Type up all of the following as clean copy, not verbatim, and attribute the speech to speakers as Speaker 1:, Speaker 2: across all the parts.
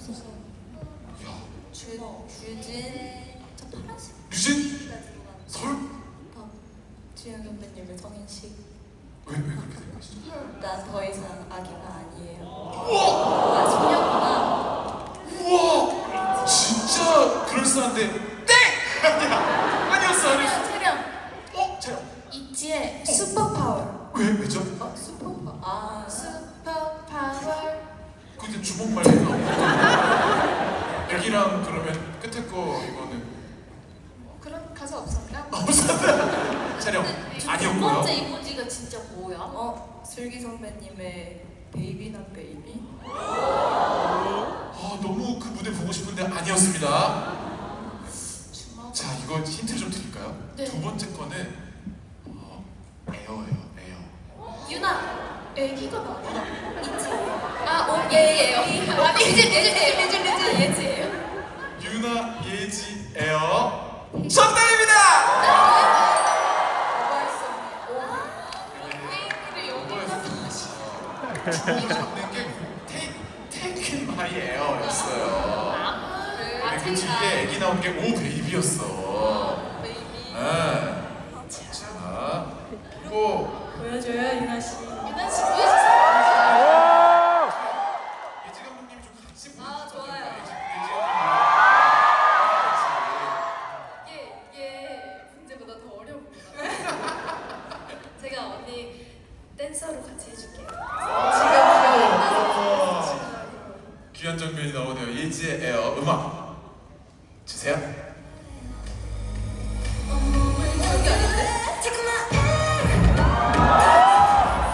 Speaker 1: 유진. 저 파란색.
Speaker 2: 유진? 설?
Speaker 1: 주현 선배님의 성인식.
Speaker 2: 왜 그렇게 된 것이죠?
Speaker 1: 난 더 이상 아기가 아니에요.
Speaker 2: 우와!
Speaker 1: 아, 소녀구나.
Speaker 2: 우와! 진짜 그럴싸한데 땡! 아니었어.
Speaker 1: 촬영.
Speaker 2: 촬영.
Speaker 1: 있지의 슈퍼파워.
Speaker 2: 왜죠?
Speaker 1: 슈퍼파워. 아, 슈퍼파워.
Speaker 2: 근데 주먹 말고 애기랑 그러면 끝에 거 이거는
Speaker 1: 그런 가사 없었나?
Speaker 2: 없었다. 촬영
Speaker 1: 두
Speaker 2: 아니었고요.
Speaker 1: 번째 이모지가 진짜 뭐야? 슬기 선배님의 베이비 난 베이비.
Speaker 2: 너무 그 무대 보고 싶은데 아니었습니다.
Speaker 1: 주먹.
Speaker 2: 자, 이거 힌트 좀 드릴까요?
Speaker 1: 네.
Speaker 2: 두 번째 거는 에어예요. 에어.
Speaker 1: 유나. 애기가 나와. 있지. 예예예요. 아니 예지예요.
Speaker 2: 유나 예지 에어 정답입니다. 주먹 잡는 게 테이크 마이 에어였어요. 근데 그 뒤에 애기 나온 게 오 베이비였어.
Speaker 1: 베이비.
Speaker 2: 네. 자, 그리고
Speaker 1: 보여줘요 유나 씨. 유나 씨 보여주세요.
Speaker 2: 예지 감독님 좀 같이 보여주세요.
Speaker 1: 좋아요.
Speaker 2: 예지 감독님.
Speaker 1: 이게 문제보다 더 어려웁니다. 제가 언니 댄서로 같이 해줄게요.
Speaker 2: 귀한 장면이 나오네요. 예지의 에어 음악 주세요.
Speaker 1: 여기 아닌데?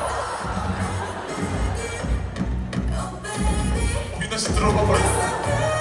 Speaker 2: 민나 씨 들어봐 버렸어.